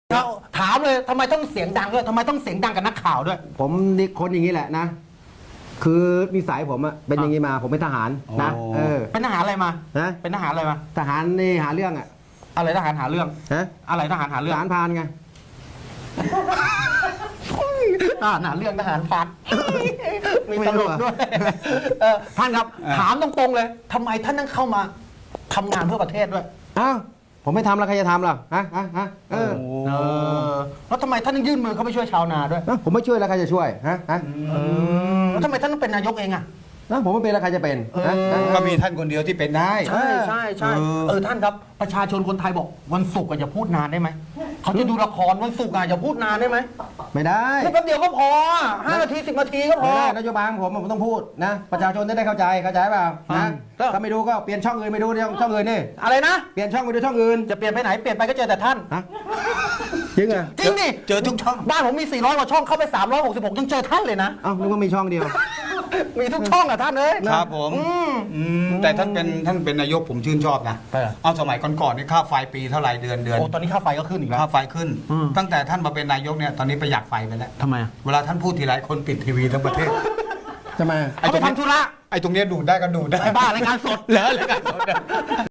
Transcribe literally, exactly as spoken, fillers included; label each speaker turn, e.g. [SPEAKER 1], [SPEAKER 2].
[SPEAKER 1] เราถามเลยทำไมต้องเสียงดังด้วยทำไมต้องเสียงดังกับนักข่าวด้วย
[SPEAKER 2] ผมนี่คนอย่างนี้แหละนะ คือนิสัยผมอะเป็นอย่างนี้มา ผมเป็นทหารนะ
[SPEAKER 3] โอ้
[SPEAKER 2] เออ
[SPEAKER 1] เป็นทหารอะไรมา
[SPEAKER 2] นะ
[SPEAKER 1] เป็นทหารอะไรมา
[SPEAKER 2] ทหารนี่หาเรื่องอะ
[SPEAKER 1] อะไรทหารหาเรื่อง
[SPEAKER 2] ฮะ
[SPEAKER 1] อะไรทหารหา
[SPEAKER 2] ท
[SPEAKER 1] เรื่อง
[SPEAKER 2] หารพรานไง
[SPEAKER 1] ทหารหาเรื่องทหารพัน มี
[SPEAKER 2] ไม่
[SPEAKER 1] ต
[SPEAKER 2] รู้
[SPEAKER 1] ลก
[SPEAKER 2] อะ
[SPEAKER 1] ด้วยเออท่านครับ
[SPEAKER 3] อ่า
[SPEAKER 1] ถามตรงๆเลยทำไมท่านต้องเข้ามาทำงานเพื่อประเทศด้วย
[SPEAKER 2] อ้าวผมไม่ทำแล้วใครจะทำล่ะฮะฮะฮะเออ
[SPEAKER 1] เออแล้วทำไมท่านต้องยื่นมือเข้าไปช่วยชาวนาด้วย
[SPEAKER 2] เอ้าผมไม่ช่วยแล้วใครจะช่วยฮะฮะ
[SPEAKER 1] แล้วทำไมท่านต้องเป็นนายกเองอ่ะ
[SPEAKER 2] เอ้าผมไม่เป็นแล้วใครจะเป็นฮะฮะ
[SPEAKER 3] ก็มีท่านคนเดียวที่เป็นได้
[SPEAKER 1] ใช่ใช่ใช่
[SPEAKER 3] เออ
[SPEAKER 1] เออท่านครับประชาชนคนไทยบอกวันศุกร์อะอย่าพูดนานได้ไหมเขาจะดูละครวันศุกร์อะอย่าพูดนานได้ไหม
[SPEAKER 2] ไม่ได้
[SPEAKER 1] พูดแป๊บเดียวก็พอห้านาทีสิบนาทีก็พ
[SPEAKER 2] ไม่
[SPEAKER 1] อ
[SPEAKER 2] ได้นโยบายของผมผมต้องพูดนะ ประชาชนจะได้เข้าใจเข้าใจเปล่า
[SPEAKER 1] อ่า
[SPEAKER 2] นะ
[SPEAKER 1] แล้ว
[SPEAKER 2] ถ้าไม่ดูก็เปลี่ยนช่องอื่นไปดูช่องช่องอื่นนี่
[SPEAKER 1] อะไรนะ
[SPEAKER 2] เปลี่ยนช่องไปดูช่องอื่น
[SPEAKER 1] จะเปลี่ยนไปไหนเปลี่ยนไปก็เจอแต่ท่าน
[SPEAKER 2] ฮะจริงเหรอ
[SPEAKER 1] จริงดิ
[SPEAKER 3] เจอทุกช่อง
[SPEAKER 1] บ้านผมมีสี่ร้อยกว่าช่องเข้าไปสามร้อยหกสิบหกยังเจอท่านเลยนะ
[SPEAKER 2] เอ้านึกว่ามีช่องเดียว
[SPEAKER 1] มีทุกช่องอะท่านเอ้ย
[SPEAKER 3] ครับผม
[SPEAKER 1] อืม
[SPEAKER 3] อืมแต่ท่านเป็นท่านเป็นนายกผมชื่นชอบนะ
[SPEAKER 1] เออ
[SPEAKER 3] เอาสมัยก่อนๆนี่ค่าไฟปีเท่าไหร่เดือนเดือน
[SPEAKER 1] โอ้ตอนนี้ค่าไฟก็ขึ้นอีกแล้ว
[SPEAKER 3] ค่าไฟขึ้น
[SPEAKER 1] อืม
[SPEAKER 3] ตั้งแต่ท่านมาเป็นนายกเนี่ยตอนนี้ประหยัดไฟไปแล้ว
[SPEAKER 1] ทำไมอะ
[SPEAKER 3] เวลาท่านพูดทีไรคนปิดทีวีทั้งประเทศ
[SPEAKER 2] จะมา
[SPEAKER 1] เขาไปทำธุระ
[SPEAKER 3] ไอ้ตรงเนี้ยดูดได้ก็ดูดได้
[SPEAKER 1] ไอ้บ้ารายการสด
[SPEAKER 3] เหรอรายการสด